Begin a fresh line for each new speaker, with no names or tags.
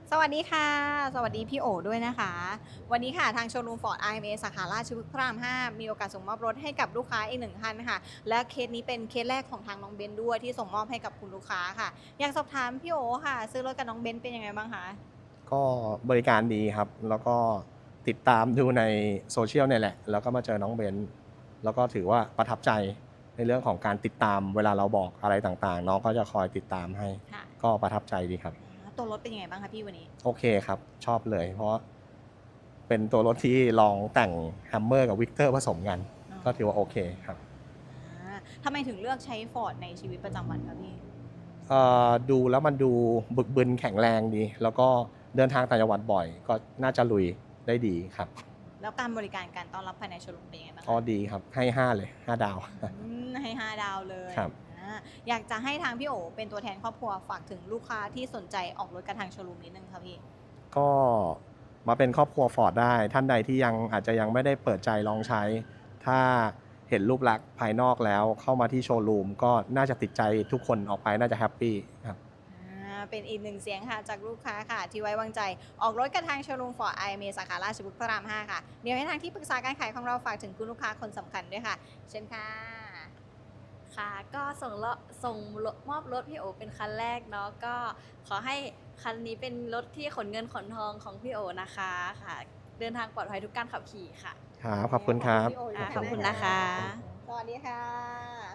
สวัสดีค่ะสวัสดีพี่โอด้วยนะคะวันนี้ค่ะทางโชว์รูมฟอร์ด IMA สาขาราชพฤกษ์พระราม5มีโอกาสส่งมอบรถให้กับลูกค้าอีก1ท่านค่ะและเคสนี้เป็นเคสแรกของทางน้องเบนด้วยที่ส่งมอบให้กับคุณลูกค้าค่ะอยากสอบถามพี่โอค่ะซื้อรถกับน้องเบนเป็นยังไงบ้างคะ
ก็บริการดีครับแล้วก็ติดตามดูในโซเชียลเนี่ยแหละแล้วก็มาเจอน้องเบนแล้วก็ถือว่าประทับใจในเรื่องของการติดตามเวลาเราบอกอะไรต่างๆน้องก็จะคอยติดตามให้
ค่ะ
ก็ประทับใจดีครับ
ตัวรถเป็นยังไงบ้างคะพี่วันนี้
โอเคครับชอบเลยเพราะเป็นตัวรถที่ลองแต่งแฮมเมอร์กับวิกเตอร์ผสมกันก็ถือว่าโอเคครับ
ทำไมถึงเลือกใช้ฟอร์ดในชีวิตประจำวันคะพี่
ดูแล้วมันดูบึกบึนแข็งแรงดีแล้วก็เดินทางต่างจังหวัดบ่อยก็น่าจะลุยได้ดีครับ
แล้วการบริการการต้อนรับภายในโชว์รูมเป็นยังไงบ้าง
ก็
คะ
ดีครับให้5เลย5ดาว
ให้5 ดาวเลย
ครับ
อยากจะให้ทางพี่โอเป็นตัวแทนครอบครัวฝากถึงลูกค้าที่สนใจออกรถกับทางโชว์รูมนิดนึงค่ะพี่
ก็มาเป็นครอบครัวฟอร์ดได้ท่านใดที่อาจจะยังไม่ได้เปิดใจลองใช้ถ้าเห็นรูปลักษณ์ภายนอกแล้วเข้ามาที่โชว์รูมก็น่าจะติดใจทุกคนออกไปน่าจะแฮปปี้ครับ
เป็นอีกหนึ่งเสียงค่ะจากลูกค้าค่ะที่ไว้วางใจออกรถกับทางโชว์รูมฟอร์ด IMA สาขาราชบุรีพระราม5ค่ะเดี๋ยวให้ทางที่ปรึกษาการขายของเราฝากถึงคุณลูกค้าคนสำคัญด้วยค่ะเชิญค่ะ
ค่ะก็ส่งมอบรถพี่โอเป็นคันแรกเนาะก็ขอให้คันนี้เป็นรถที่ขนเงินขนทองของพี่โอนะคะค่ะเดินทางปลอดภัยทุกการขับขี่ค่ะ
ครับขอบคุณครับ
พี่โออยู่
ขอบคุณนะคะ
สวัสดีค่ะ